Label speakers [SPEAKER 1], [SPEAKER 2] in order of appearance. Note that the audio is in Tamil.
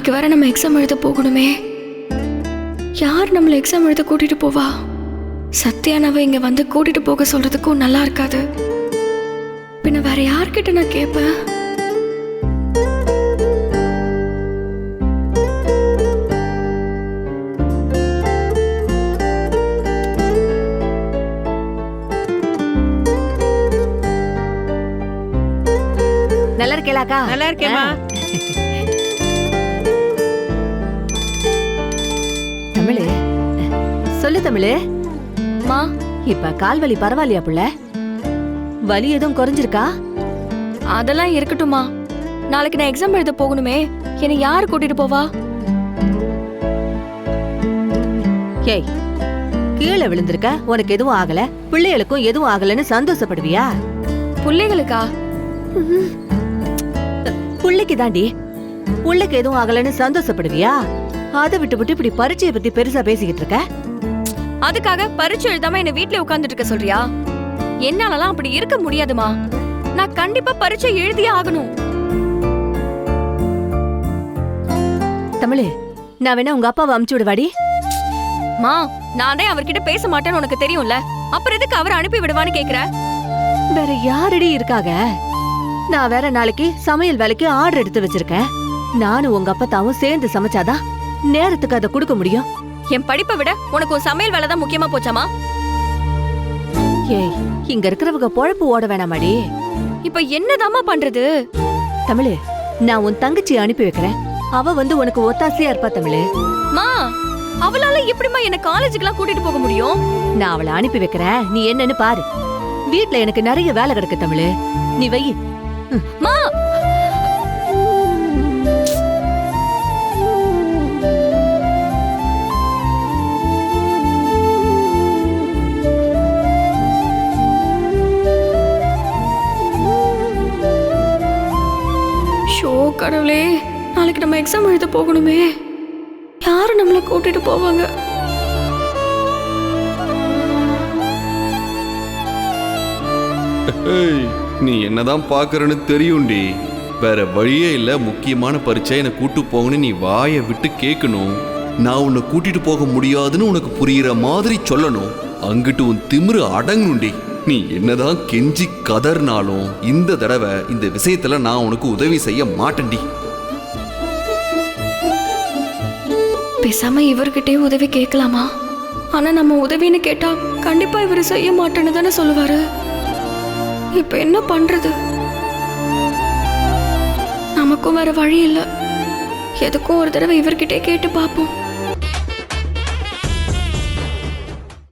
[SPEAKER 1] நாளைக்கு வர நம்ம எக்ஸாம் எழுத போகணுமே. யார் நம்மளை எக்ஸாம் எழுத கூட்டிட்டு போவா? சத்யானாவை இங்க வந்து கூட்டிட்டு போக சொல்றதுக்கும் நல்லா இருக்காது. பின்ன வேற யார்கிட்ட நான் கேட்பேன்?
[SPEAKER 2] நல்லா இருக்கேளாக்கா?
[SPEAKER 3] நல்லா இருக்கேம்மா.
[SPEAKER 2] தமிழு சொல்லு தமிழு.
[SPEAKER 1] மா,
[SPEAKER 2] இப்ப கால் வலி பரவாயில்லையா புள்ள? வலி எதுவும் குறைஞ்சிருக்கா?
[SPEAKER 1] அதெல்லாம் இருக்கட்டும்மா. நாளைக்கு நான் எக்ஸாம் எழுத போகணுமே, என்னை யார் கூட்டிட்டு போவா?
[SPEAKER 2] ஏய், கீழே விழுந்திருக்க, உனக்கு எதுவும் ஆகல, பிள்ளைகளுக்கும் எதுவும் ஆகலன்னு சந்தோஷப்படுவியா?
[SPEAKER 1] பிள்ளைகளுக்கா?
[SPEAKER 2] புள்ளைக்கு தாண்டி. புள்ளைக்கு எதுவும் ஆகலன்னு சந்தோஷப்படுவியா? அதை விட்டு இப்படி பரீட்சையை பத்தி பெருசா பேசிக்கிட்டு இருக்க.
[SPEAKER 1] அதுக்காக பரீட்சை எழுதாம என்ன வீட்ல உட்கார்ந்துட்டு இருக்க சொல்றியா? என்னாலலாம் அப்படி இருக்க முடியாதுமா. நான் கண்டிப்பா பரீட்சை எழுதியே ஆகணும்.
[SPEAKER 2] தமிழு, நான் வேணா உங்க அப்பாவை அமுச்சு விடுவாடி.
[SPEAKER 1] மா, நான் தான் அவர்கிட்ட பேச மாட்டேன்னு உனக்கு தெரியும்ல, அப்புறம் எதுக்கு அவர் அனுப்பி விடுவான்னு கேக்குற?
[SPEAKER 2] வேற யாரடி இருக்காக? நான் வேற நாளைக்கு சமையல் வேலைக்கு ஆர்டர் எடுத்து வச்சிருக்கேன். நானும் உங்க அப்பத்தாவும் சேர்ந்து சமைச்சாதான் நேரத்துக்கு அதை கொடுக்க முடியும்.
[SPEAKER 1] என் படிப்பை விட உனக்கு ஒரு சமையல் வேலை தான் முக்கியமா போச்சாமா?
[SPEAKER 2] ஏய், இங்க இருக்கிறவங்க பொழப்பு ஓட வேணாமாடி.
[SPEAKER 1] இப்ப என்னதாமா பண்றது?
[SPEAKER 2] தமிழு, நான் உன் தங்கச்சி அனுப்பி வைக்கிறேன். அவ வந்து உனக்கு ஒத்தாசையா இருப்பா தமிழு.
[SPEAKER 1] மா, அவளால எப்படிமா என்ன காலேஜுக்குலாம் கூட்டிட்டு போக முடியும்?
[SPEAKER 2] நான் அவளை அனுப்பி வைக்கிறேன், நீ என்னன்னு பாரு. வீட்ல எனக்கு நிறைய வேலை கிடக்கு தமிழு, நீ வை.
[SPEAKER 1] மா, கடவுளே, நாளைக்கு நம்ம எக்ஸாம் எழுத போகணுமே, யாரு நம்மள கூட்டிட்டு போவாங்க?
[SPEAKER 4] நீ என்னதான் பாக்குறன்னு தெரியும்டி. வேற வழியே இல்ல. முக்கியமான பரீட்சை என்ன கூட்டு போகணும், நீ வாயை விட்டு கேட்கணும். நான் உன்னை கூட்டிட்டு போக முடியாதுன்னு உனக்கு புரியுற மாதிரி சொல்லணும். அங்கிட்டு உன் திமிரு அடங்கணும்டி. நீ என்னதான் கெஞ்சி கதர்னாலும் இந்த தடவை இந்த விஷயத்துல நான் உனக்கு உதவி செய்ய மாட்டேன்டி.
[SPEAKER 1] பேசாம இவர்கிட்டே உதவி கேட்கலாமா? ஆனா நம்ம உதவின்னு கேட்டா கண்டிப்பா இவரு செய்ய மாட்டேன்னு தானே சொல்லுவாரு. இப்ப என்ன பண்றது? நமக்கும் வேற வழி இல்ல. எதுக்கும் ஒரு தடவை இவர்கிட்டே கேட்டு பாப்போம்.